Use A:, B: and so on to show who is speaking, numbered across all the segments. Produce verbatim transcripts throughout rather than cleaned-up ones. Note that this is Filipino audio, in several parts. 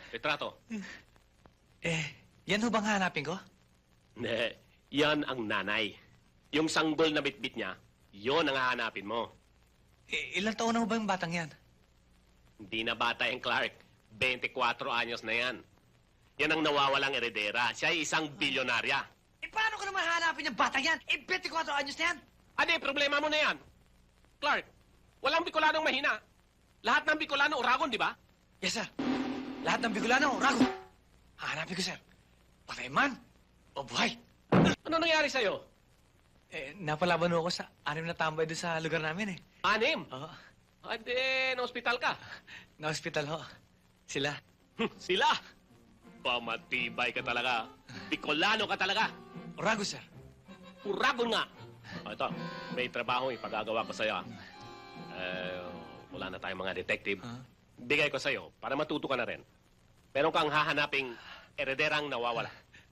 A: retrato.
B: Eh, yan ho bang hanapin ko?
A: Hindi, yan ang nanay. Yung sanggol na bitbit niya, yon ang hahanapin mo.
B: Eh, ilang taon na ho ba yung batang yan?
A: Hindi na bata yung Clark. twenty-four anyos na yan. Yan ang nawawalang eredera. Siya ay isang bilyonarya.
B: Eh, paano ko naman hanapin yung batang yan? Eh, twenty-four anyos na yan.
A: Ano yung problema mo na yan? Clark, walang Bicolanong mahina. Lahat ng Bicolano uragon, di ba?
B: Yes, sir. Lahat ng Bicolano, rago. Hanapin ko, sir. Patay man o buhay.
A: Ano nangyari sa'yo?
B: Eh, napalaban ho ako sa anim na tambay doon sa lugar namin, eh.
A: Anim?
B: Oo.
A: Ade, na-hospital ka.
B: Na-hospital ho. Sila.
A: Sila? Pamatibay ka talaga. Bicolano ka talaga.
B: Rago, sir.
A: Uragon nga. O, ito, may trabaho ipagagawa ko sa'yo. ah. Eh, wala na tayong mga detective.
B: Huh?
A: Bigay ko sa'yo para matuto ka na rin. Meron kang hahanaping erederang nawawala.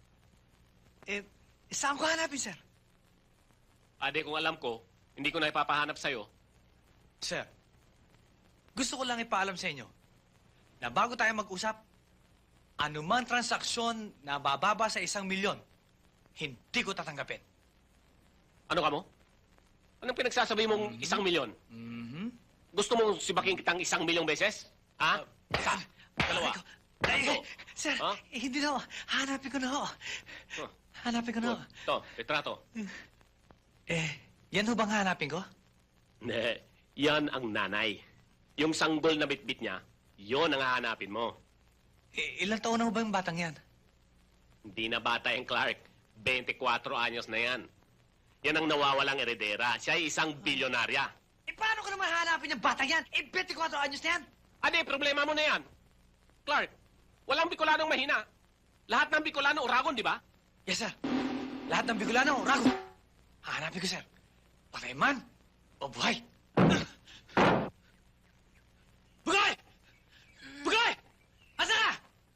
B: Eh, saan ko hanapin, sir?
A: Ade, kung alam ko, hindi ko na ipapahanap sa'yo.
B: Sir, gusto ko lang ipaalam sa inyo na bago tayo mag-usap, anumang transaksyon na bababa sa isang milyon, hindi ko tatanggapin.
A: Ano ka mo? Anong pinagsasabi mong isang milyon?
B: Mm-hmm.
A: Gusto mong sibaking kitang isang milyong beses? Ha? Isa, dalawa,
B: Ay,
A: tatlo.
B: sir,
A: Ha?
B: eh, hindi na ho. Hanapin ko na ho.
A: Huh.
B: Hanapin ko na ho.
A: Ito, retrato.
B: Eh, yan ho bang hanapin ko?
A: Hindi, yan ang nanay. Yung sanggol na bitbit niya, yon ang hahanapin mo.
B: Eh, ilang taon na ho ba yung batang yan?
A: Hindi na bata yung Clark. twenty-four anyos na yan. Yan ang nawawalang eredera. Siya ay isang bilyonarya.
B: Eh, paano ko naman hanapin yung batang yan? Eh, twenty-four anyos na yan.
A: Ano yung problema mo na yan? Clark, walang Bicolanong mahina. Lahat ng Bicolano uragon, di ba?
B: Yes, sir. Lahat ng Bicolano, rago. Hanapin ko, sir. Patay man o buhay. Bugay! Bugay! Asa ka?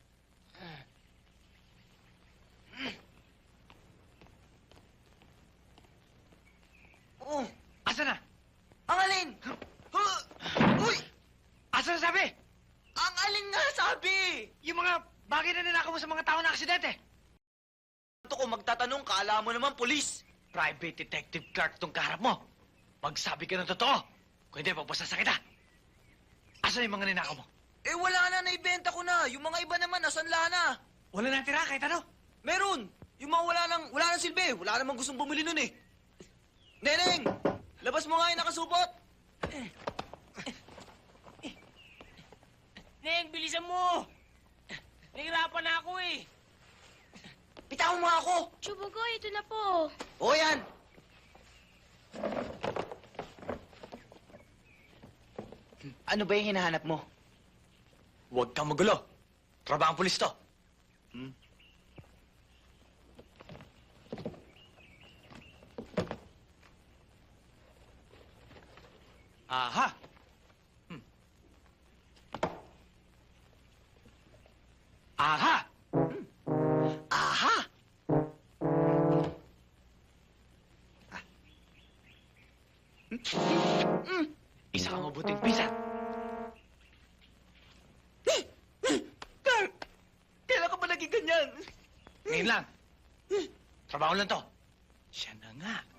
C: Oh,
B: Asa na?
C: ang alin? Huh? Uy!
B: Asa na sabi?
C: Ang alin nga sabi?
B: Yung mga bagay na ninakaw mo sa mga tao na aksidente.
C: Ito ko magtatanong, kaala mo naman polis.
B: Private Detective Clark tong kaharap mo. Magsabi ka ng totoo. Kung hindi, pagpasasa kita. Asa na yung mga ninakaw mo?
C: Eh wala na, naibenta ko na. Yung mga iba naman, nasanla na.
B: Wala na tira kahit ano.
C: Meron. Yung mga wala nang, wala nang silbi. Wala namang gustong bumili nun eh. Neneng! Labas mo nga yung nakasupot.
D: Neng, bilisan mo! Nahirapan na ako eh.
C: Bitawan mo ako.
E: Chubugoy, ito na po.
C: O yan. Ano ba yung hinahanap mo?
B: Huwag kang magulo. Trabahang pulis to.
C: Hmm?
B: Aha! Hmm. Aha!
C: Aha!
B: Isa kang mabuting pisan.
C: Clark! Kailan ka ba naging ganyan?
B: Ngayon lang. Trabaho lang to. Siya na nga.